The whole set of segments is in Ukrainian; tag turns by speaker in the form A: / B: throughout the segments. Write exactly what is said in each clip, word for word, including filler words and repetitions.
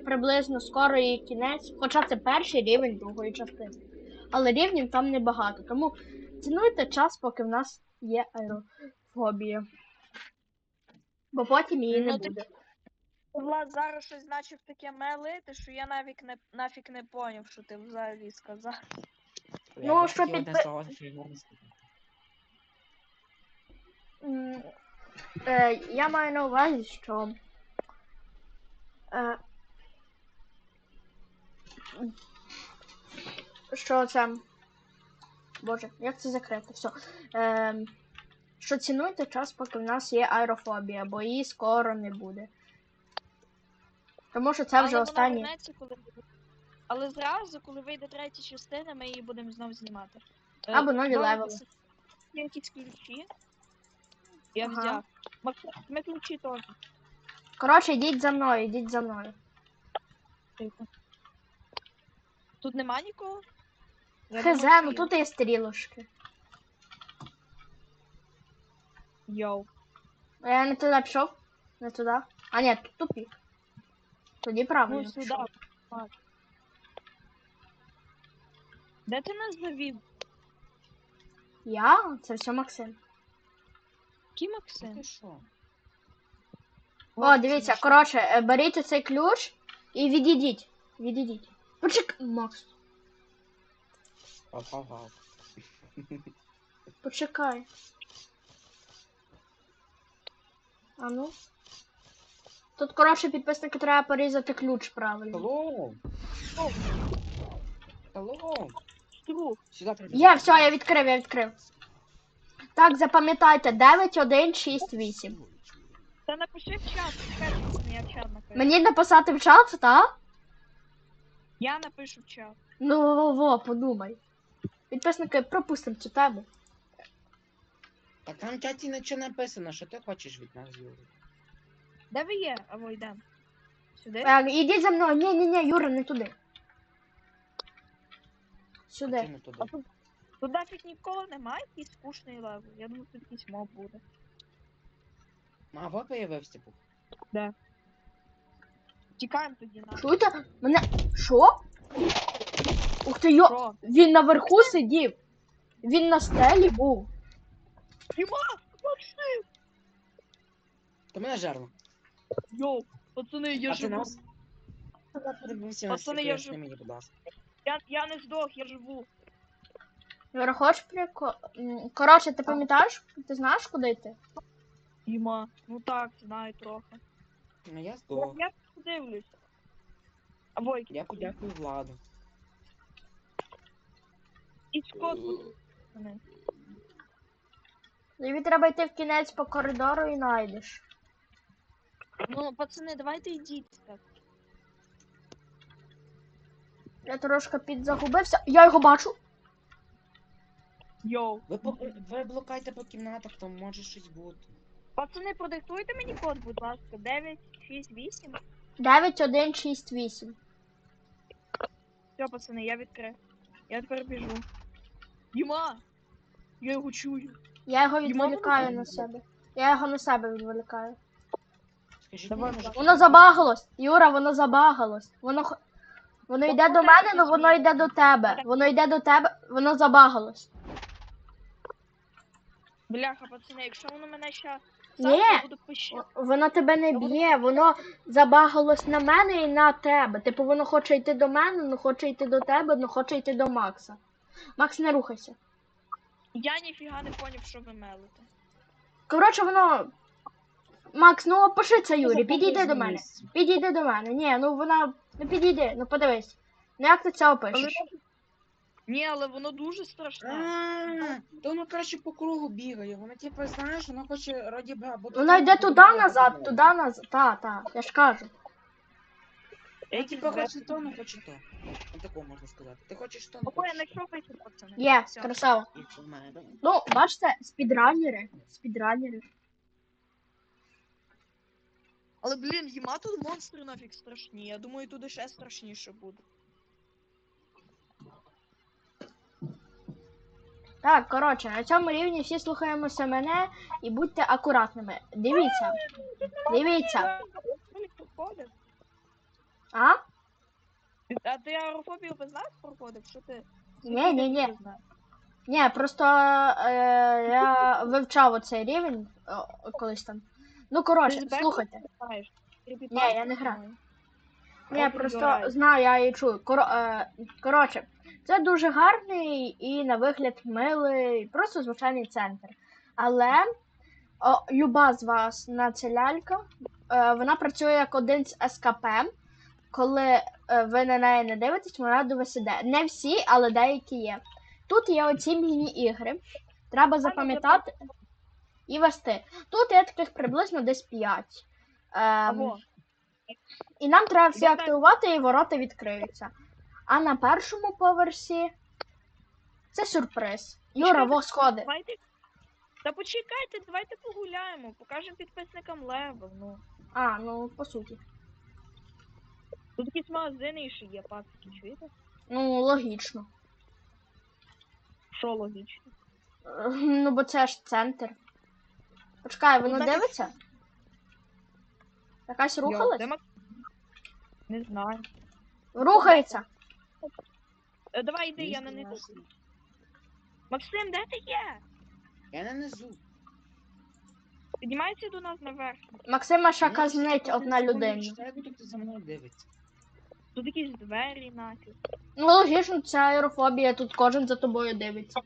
A: приблизно скоро її кінець, хоча це перший рівень другої частини. Але рівнів там небагато, тому цінуйте час, поки в нас є аерофобія. Бо потім її не
B: Ну, ти-
A: буде.
B: Влад зараз щось значив таке мелити, що я навіть не, нафіг не поняв, що ти взагалі сказав.
A: Ну,
C: Я
A: що
C: хотів одне
A: підпи-
C: слово, що його не сказав.
A: М, Е, я маю на увазі, що е, що це. Боже, як це закрити? Все. Е, що цінуйте час, поки в нас є аерофобія, бо її скоро не буде. Тому що це вже
B: Але
A: останнє.
B: вона вернеться, коли буде. Але зразу, коли вийде третя частина, ми її будемо знов знімати. Е,
A: Або нові
B: добре,
A: левели.
B: це- Є якісь ключі. Я
A: Ага.
B: взяв. Максим, ми ключі теж.
A: Коротше, йдіть за мною, йдіть за мною.
B: Тихо. Тут нема нікого? Я
A: Хз,
B: думав,
A: ну
B: що
A: тут є стрілочки.
B: є. Йоу.
A: А я не туди пішов? Не туди? А ні, тут тупік. Тоді правильно.
B: Ну, сюди.
A: пішов.
B: Так. Де ти нас завів?
A: Я? Це все Максим.
B: Який
C: Ну
B: Максим?
C: ти що?
A: О, дивіться, коротше, е, беріть оцей ключ і відійдіть. Відійдіть. Почекай, Макс,
C: Пав-пав-пав.
A: почекай. А ну. Тут, коротше, підписники треба порізати ключ правильно.
C: Hello! Hello!
B: Стру.
C: Сюди прибіг.
A: Є, все, я відкрив, я відкрив. Так, запам'ятайте, дев'ять один шість вісім.
B: Та напиши в чат, чекай, я в чат напишу.
A: Мені написати в чат, так?
B: Я напишу в чат.
A: Ну, во, во, подумай. Підписники, пропустимо цю тему.
C: Так там в чаті нічого написано, що ти хочеш від нас, Юрій.
B: Де ви є? Або йдемо. Сюди?
A: Е, ідіть за мною. Ні, ні, ні, Юра, не туди.
C: Чи
A: Сюди.
C: не туди?
B: А тут, тут нафіг нікого немає, якийсь скучний левел. Я думаю, тут якийсь моб буде.
C: А ви появився був.
B: Де? Тікаємо тоді на.
A: Чуєте? Мене. Що? Ух ти, йо.
B: Що?
A: Він наверху сидів. Він на стелі був.
B: Діма! Максим!
C: То мене жерло.
B: Йоу! Пацани, я
C: А ти
B: живу.
C: нас? Подивився на
B: Пацани, я
C: секрет,
B: жив-
C: мені, будь ласка.
B: Я, я не здох, я живу.
A: Юра, хочеш прикол? М, Коротше, ти пам'ятаєш? Ти знаєш, куди йти?
B: Діма, ну так, знаю трохи.
C: Ну я
B: Я,
C: здох.
B: я подивлюсь. Або
C: Я подякую Владу.
B: і скот буде. пацани.
A: Тобі треба йти в кінець по коридору і знайдеш.
B: Ну, пацани, давайте йдіть так.
A: Я трошки підзагубився. Я його бачу.
B: Йоу.
C: Ви, по... ви блукайте по кімнатах, там може щось бути.
B: Пацани, продиктуйте мені код, будь ласка. дев'ять шість вісім.
A: дев'ять один шість вісім.
B: Все, пацани, я відкрив. Я тепер біжу. Діма! Я його чую.
A: Я його
B: Діма,
A: відволікаю
C: воно-
A: на себе. Я його на себе відволікаю.
C: Скажіть,
B: Давай,
C: мені, може,
A: Воно забагалось. Юра, воно забагалось. Воно х- воно йде до мене, але воно йде до тебе. Воно йде до тебе, воно забагалось.
B: Бляха, пацани, якщо воно мене ще
A: Ні.
B: сам, я буду пищати.
A: Воно тебе не б'є, воно забагалось на мене і на тебе. Типу воно хоче йти до мене, але хоче йти до тебе, але хоче йти до Макса. Макс, не рухайся.
B: Я ніфіга не поняв, що ви мелите.
A: Коротше, воно. Макс, ну опиши це, Юрій,
C: Запомни
A: підійди до
C: з
A: мене.
C: місця.
A: Підійди до мене. Ні, ну вона. Ну підійди, ну подивись. Ну як ти це
B: Але...
A: опишеш?
B: Ні, але воно дуже страшне.
C: А, то воно краще по кругу бігає. Воно типу, знаєш, воно хоче раді ба, бо
A: Воно йде туди назад, туди назад. Та, та, я ж кажу.
C: Я типу хоче то, не хоче то. Ну такого можна сказати. Ти хочеш то, не
B: Ого, я
C: хочеш.
B: знайшов вихід, пацани.
A: Є,
B: Всьо.
A: красава.
C: І в мене.
A: Ну, бачите, спідранери. Спідранери.
B: Але, блін, їма тут монстри нафіг страшні. Я думаю, туди ще страшніше буде.
A: Так, коротше, на цьому рівні всі слухаємося мене і будьте акуратними. Дивіться. Дивіться. А?
B: А ти аерофобію би знав проходив? Що ти?
A: Ні, ні, ні.
B: Ти знаєш?
A: Ні, просто е, я вивчав оцей рівень о, колись там. Ну,
B: Ти
A: коротше,
B: з Беком
A: слухайте.
B: знаєш?
A: Ні, я не граю. Ні,
B: Open
A: просто
B: your eyes.
A: знаю, я її чую. Коро, е, коротше, це дуже гарний і на вигляд милий, просто звичайний центр. Але о, люба з вас на ця лялька, е, вона працює як один з ес ка пе. Коли е, ви на неї не дивитесь, вона до вас іде. Не всі, але деякі є. Тут є оці міні-ігри. Треба запам'ятати і вести. Тут є таких приблизно десь п'ять. Ем,
B: Або.
A: і нам треба всі
B: Я так-
A: активувати, і ворота відкриються. А на першому поверсі це сюрприз. Юра,
B: Чекайте,
A: во сходи.
B: Давайте. Та почекайте, давайте погуляємо, покажемо підписникам левел, ну.
A: А, ну по суті.
B: Тут якісь магазини ще є, пацки, чуєте?
A: Ну, логічно.
B: Що логічно?
A: Е, Ну, бо це ж центр. Почекай, воно
B: Ну, так і
A: дивиться? Якась
B: Йо,
A: рухалась?
B: де Мак- Не знаю.
A: Рухається.
B: Е, давай йди, я
C: Місто
B: на них.
C: наше.
B: Максим, де ти є?
C: Я на низу.
B: Піднімайся до нас наверх.
A: Максима ще
C: Ну,
A: казнить
C: я
A: одна
C: секунду
A: людина.
C: читаю, бо тут за мною дивиться.
B: Тут якісь двері нафіг.
A: Ну, логічно, це аерофобія, тут кожен за тобою дивиться.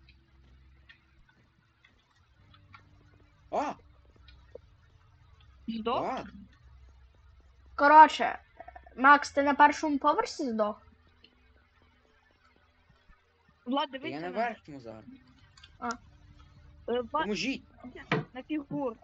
C: О!
B: Здох?
C: Влад!
A: Коротше, Макс, ти на першому поверсі здох?
B: Влад,
C: Та я
B: дивися
C: на
B: на,
C: верхньому зараз.
B: Е, Влад,
C: Поможіть!
B: на фігур.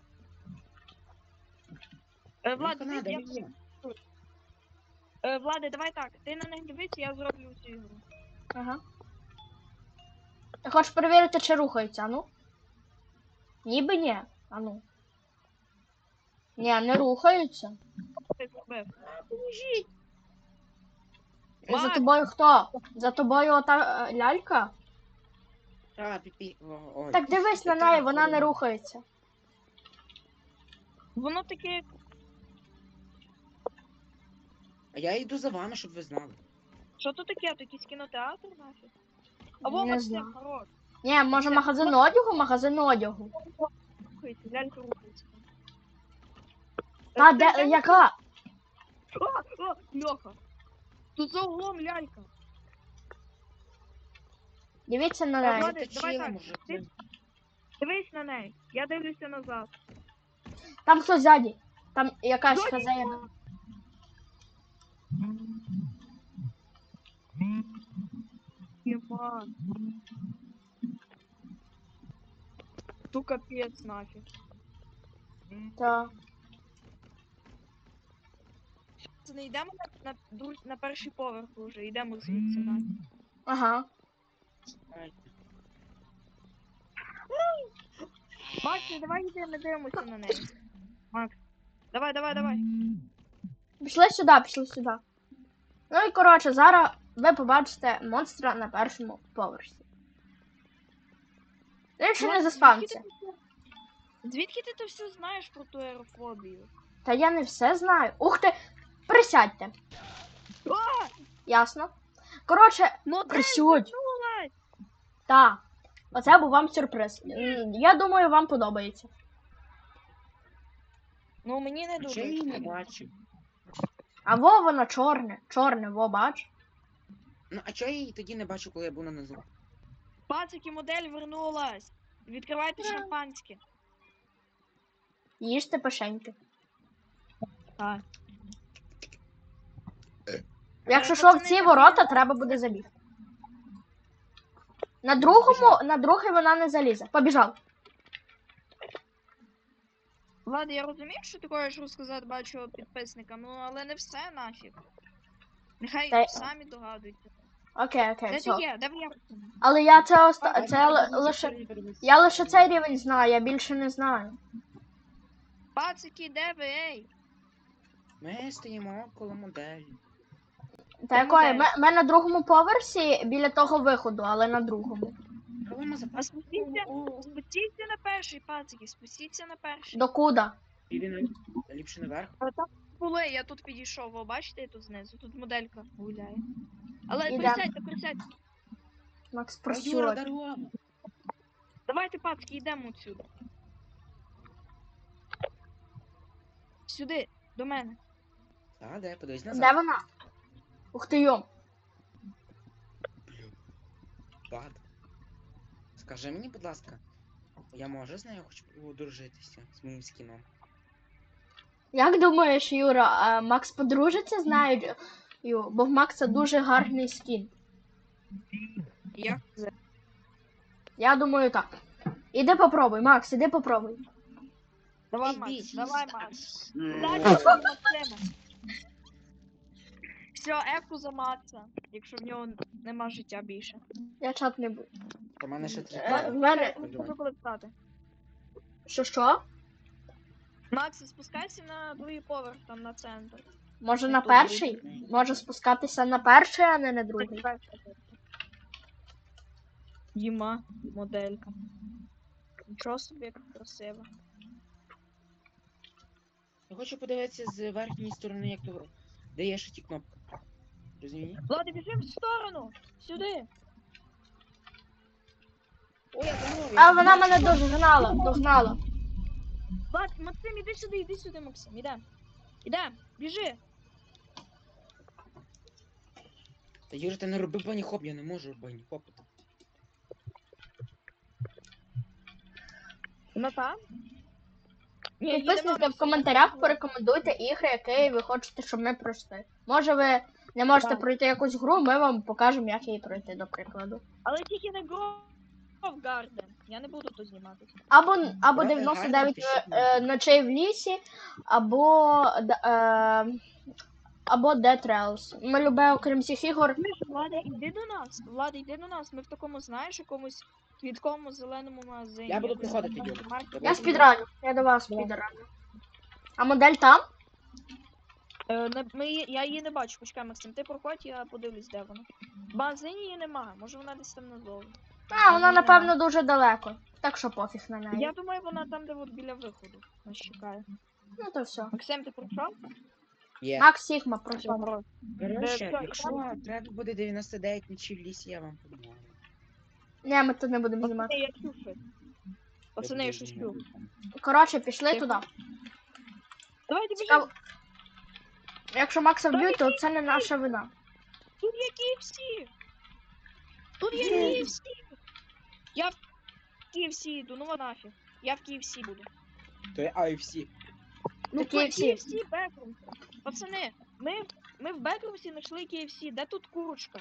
B: Е, Влад,
C: Ну, Канада,
B: дивись, я...
C: є.
B: Е, Влади, давай так. Ти на них дивись, я зроблю цю ігру.
A: Ага. Ти хочеш перевірити, чи рухається, а ну? Ніби ні. А ну. Ні, не рухаються.
B: Ти зробив. Поможіть!
A: І за
B: Макс!
A: тобою хто? За тобою ота е, лялька?
C: Та, піпі. О, ой.
A: Так дивись на
C: Та,
A: неї, вона не
C: ой.
A: рухається.
B: Воно таке, як
C: А я йду за вами, щоб ви знали.
B: що то таке? То якийсь кінотеатр нафіг? Або
A: Не
B: Максим,
A: знаю.
B: хорош.
A: Ні, може
B: Це-
A: магазин одягу, магазин одягу.
B: Рухається, лялька рухається.
A: Та,
B: Е,
A: де,
B: це-
A: яка?
B: О, о, Льоха! Тут за углом лялька.
A: Дивіться на
B: Е,
A: неї.
B: Влади,
C: Заточили,
B: давай так,
C: може.
B: ти- Дивись на неї. Я дивлюся назад.
A: Там хто ззаді? Там якась
B: Ззаді?
A: хазяїна.
B: Єма. Ту капець нафіг.
A: Та.
B: Це не йдемо на, на, друг- на перший поверх уже, йдемо звідси нафіг.
A: Ага.
B: Макс, ну давай йдемо, не дивимося на неї. Макс. Давай, давай, давай.
A: Пішли сюди, пішли сюди. Ну і коротше, зараз ви побачите монстра на першому поверсі. Він ще не
B: Макс,
A: заспався.
B: звідки ти це- Звідки ти то все знаєш про ту аерофобію?
A: Та я не все знаю. Ух ти! Присядьте.
B: А!
A: Ясно? Коротше,
B: Модель
A: Присядь.
B: вернулась!
A: та. Оце був вам сюрприз. М, Я думаю, вам подобається.
B: Ну мені не
C: А чи я її
B: дуже.
C: не бачив?
A: А во воно чорне. Чорне, во бач.
C: Ну, а чого я її тоді не бачив, коли я був на низу?
B: Пацики, модель вернулась! Відкривайте шампанське.
A: Їжте пишеньки.
B: Так.
A: Якщо
B: Е,
A: що, в
B: пацани,
A: ці
B: так
A: ворота
B: я-
A: треба буде забігти. На другому, на другий вона не залізе. Побіжав.
B: Влад, я розумію, що ти хочеш розказати бачу підписникам, ну але не все нафіг. Нехай
A: Та й-
B: самі догадуються.
A: Окей, окей,
B: Де
A: все.
B: ти є? Де я?
A: Але я це оста...
C: А,
A: це
C: я
A: ли-
C: не
A: лише.
C: знаю, передивився.
A: Я лише цей рівень знаю, я більше не знаю.
B: Пацики, де ви, ей?
C: Ми стоїмо коло моделі.
A: Та
B: Це
A: якої?
B: модель.
A: Ми, ми на другому поверсі біля того виходу, але на другому.
C: Проблема за
B: А спустіться, спустіться на перший, пацики, спустіться на перший.
A: Докуда?
C: Білі на ліпше наверх.
B: А там були, я тут підійшов, ви бачите, я тут знизу, тут моделька гуляє. Але
A: Ідем.
B: присядьте, присядьте.
A: Макс,
C: О, Юра,
A: просьот.
C: дорога.
B: Давайте, пацки, йдемо отсюди. Сюди, до мене.
C: Та, де, подивись
A: Де
C: назад.
A: вона? Ух ти йом.
C: Блін. Бад. Скажи мені, будь ласка, я можу з нею хоч одружитися з моїм скіном?
A: Як думаєш, Юра, а Макс подружиться з нею? Ю, бо в Макса дуже гарний скін.
B: Як це?
A: Я думаю так. Іди попробуй, Макс, іди попробуй.
B: Давай,
C: Ей,
B: Макс,
C: бій,
B: давай,
C: ні,
B: Макс.
C: м.
B: Дальше Максима. Все, ефку за Макса, якщо в нього нема життя більше.
A: Я чат не буду.
C: У мене ще три
A: Е,
C: кари.
A: в мене.
B: Можу коли встати.
A: Що що?
B: Макс, спускайся на другий поверх, там на центр.
A: Може на
B: Тут
A: перший?
C: буде.
A: Може спускатися на перший, а не на другий.
B: Діма, моделька. Нічого собі, як красиво.
C: Я хочу подивитися з верхньої сторони, як то де є ще ті кнопки. Розумієш?
B: Влада, біжи в сторону! Сюди!
C: О, я замовив.
A: А вона мене догнала, догнала.
B: Влад, Максим, іди сюди, іди сюди, Максим, ідем. Ідем, біжи.
C: Та Юра, ти не роби бані-хоп, я не можу бані-хопити.
B: Вона там? Ні,
A: Підписуйтесь в коментарях, порекомендуйте ігри, які ви хочете, щоб ми пройшли. Може ви не можете
B: Так.
A: пройти якусь гру, ми вам покажемо, як її пройти, до прикладу.
B: Але тільки не Grove Garden. Я не буду тут знімати.
A: Або, або
C: Давай,
A: дев'яносто
C: гарно,
A: дев'ять
C: пишіть
A: е, ночей в лісі, або, д- е, або Dead Trails. Ми любимо, окрім цих ігор.
B: Влада, іди до нас. Влада, йди до нас. Ми в такому, знаєш, якомусь квіткому зеленому магазині.
C: Я буду
B: Якось
C: приходити,
B: там
C: Юра.
B: маркет.
A: Я спідраню, я до вас
B: Давай.
A: спідраню. А модель там?
B: Е, не- ми, її- я її не бачу, почекай, Максим, ти проходь, я подивлюсь, де вона. В магазині її немає, може вона десь там надовго.
A: А, вона,
B: Ні,
A: напевно, дуже далеко. Так що пофіг на неї.
B: Я думаю, вона там, де от біля виходу. Нас чекає.
A: Ну то все.
B: Максим, ти пройшов?
C: Є.
A: Макс Сігма пройшов.
B: Добре.
C: Коротше,
B: Де-
C: якщо треба буде дев'яносто дев'ять ночів в лісі, я вам допоможу.
A: Ні, ми тут не будемо
B: Пацани,
A: знімати.
B: я чув. Пацани, я шучу.
A: Коротше, пішли туди.
B: Давайте
A: Цікаво.
B: біжимо.
A: Якщо Макса вб'ють, то це не наша вина.
B: Тут є кей еф сі. Тут є
A: Є.
B: кей еф сі. Я в кей еф сі йду, ну нафіг. Я в кей еф сі буду.
C: То є ай еф сі.
B: Ну,
A: Та кей еф сі.
B: кей еф сі Бекрумс. Пацани, ми, ми в Бекрумсі знайшли кей еф сі. Де тут курочка?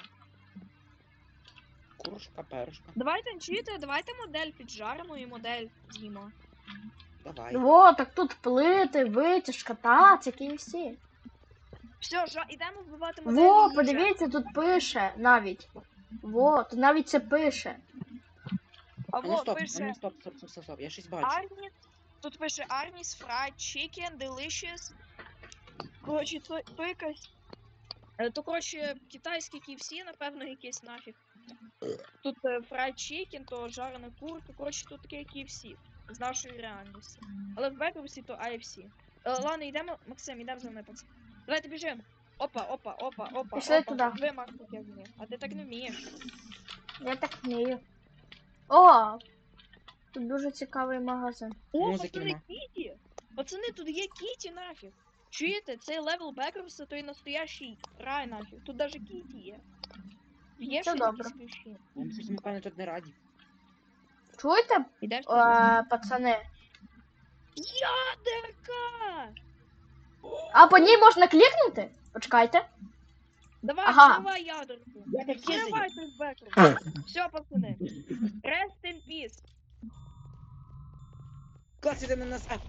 C: Курушка, перушка.
B: Давайте чуєте, давайте модель піджаримо і модель з'їмо.
C: Давай.
A: Во, так тут плити, витяжка, та, це кей еф сі.
B: Все, жа, ідемо вбивати модель.
A: Во,
B: і
A: подивіться, тут пише навіть. Во, тут навіть це пише.
B: А
C: А ну
B: во,
C: стоп, а
B: пише
C: ну стоп, стоп, стоп, стоп, стоп, я щось бачу.
B: Арніс. Тут пише Арніс, Fried Chicken, Delicious. Коротше, то, то якась. Е, То, коротше, китайський кей еф сі, напевно, якийсь нафіг. Тут е, Fried Chicken, то жарена курка. Коротше, тут таке кей еф сі. З нашої реальності. Але в Бекрумсі то ай еф сі. Е, ладно, йдемо, Максим, йдемо за мною, пацан. Давайте біжимо. Опа, опа, опа, опа.
A: Пішли
B: опа.
A: туди.
B: Ви, Макс, так як вміє. А ти так не вмієш.
A: Я так вмію. О! Тут дуже цікавий магазин.
B: О,
C: Музики
B: пацани,
C: нема.
B: Кіті! Пацани, тут є Кіті нафіг. Чуєте, цей левел Бекрумса, той настоящий рай нафіг. Тут даже Кіті є. Є
A: Це
B: щось
A: добре.
B: якісь ключі.
C: Вони щось, напевно, тут не раді.
A: Чуєте,
B: Ідеш?
A: е, пацани?
B: Ядерка!
A: А по ній можна клікнути? Почекайте.
B: Давай,
A: Ага.
B: давай ядерку.
C: Я так кизаю.
B: Давай той Бекрум. Все, пацани. Rest in peace.
C: Клас, іде на нас, а!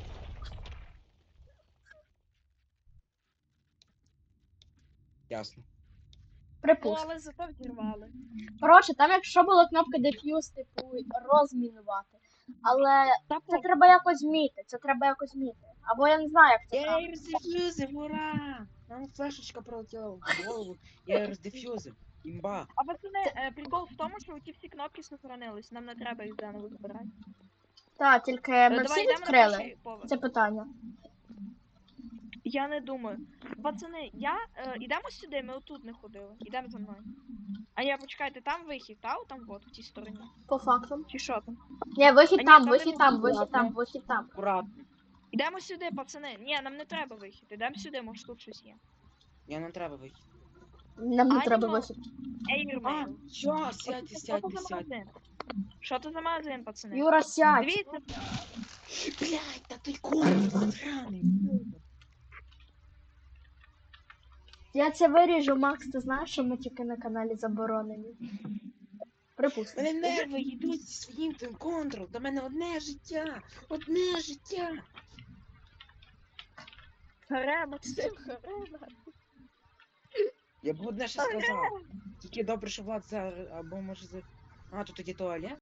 C: Ясно.
B: Ну,
A: Припустимо.
B: але зато взірвали.
A: Коротше, там якщо була кнопка Defuse, типу, розмінувати. Але
B: Та
A: це
B: по...
A: треба якось зміти, це треба якось зміти. Або я не знаю, як це
C: Я
A: правильно.
C: її роздефюзив, ура! Нам флешечка пролетіла в голову. Я її роздефюзив. Імба.
B: А пацани, е, прикол в тому, що ті всі кнопки сохранились. Нам не треба їх заново збирати.
A: Так, тільки
B: Е,
A: ми
B: давай
A: всі
B: йдемо на
A: відкрили
B: перший поверх.
A: це питання.
B: Я не думаю. Пацани, я. Е, ідемо сюди, ми отут не ходили. Ідемо за мною. А ні, почекайте, там вихід, та? Там от, в тій стороні.
A: По факту.
B: Чи що там?
A: Ні, вихід
B: А ні,
A: там,
B: там
A: вихід
B: не
A: там,
B: буде,
A: вихід там,
C: ладно.
A: вихід там.
C: Аккуратно.
B: Ідемо сюди, пацани. Ні, нам не треба вихід. Ідемо сюди, може тут щось є.
C: Я не треба вийти.
A: Нам не
B: А,
A: треба
B: ні,
A: вихід.
C: А,
B: Ейрмейл.
C: що? Сядьте,
B: Що це
C: сядьте,
B: за
C: сядьте.
B: магазин? Що це за магазин, пацани?
A: Юра, сядь.
B: Дивіться,
C: Блядь, та той конь сраний.
A: Я це виріжу, Макс, ти знаєш, що ми тільки на каналі заборонені? Припустимо.
C: Мене нерви йдуть зі своїм тим контрол. До мене одне життя. Одне життя.
B: харе, Максим, харе.
C: Я б одне ще сказав. Тільки добре, що Влад за... або може за... А, тут тоді туалет?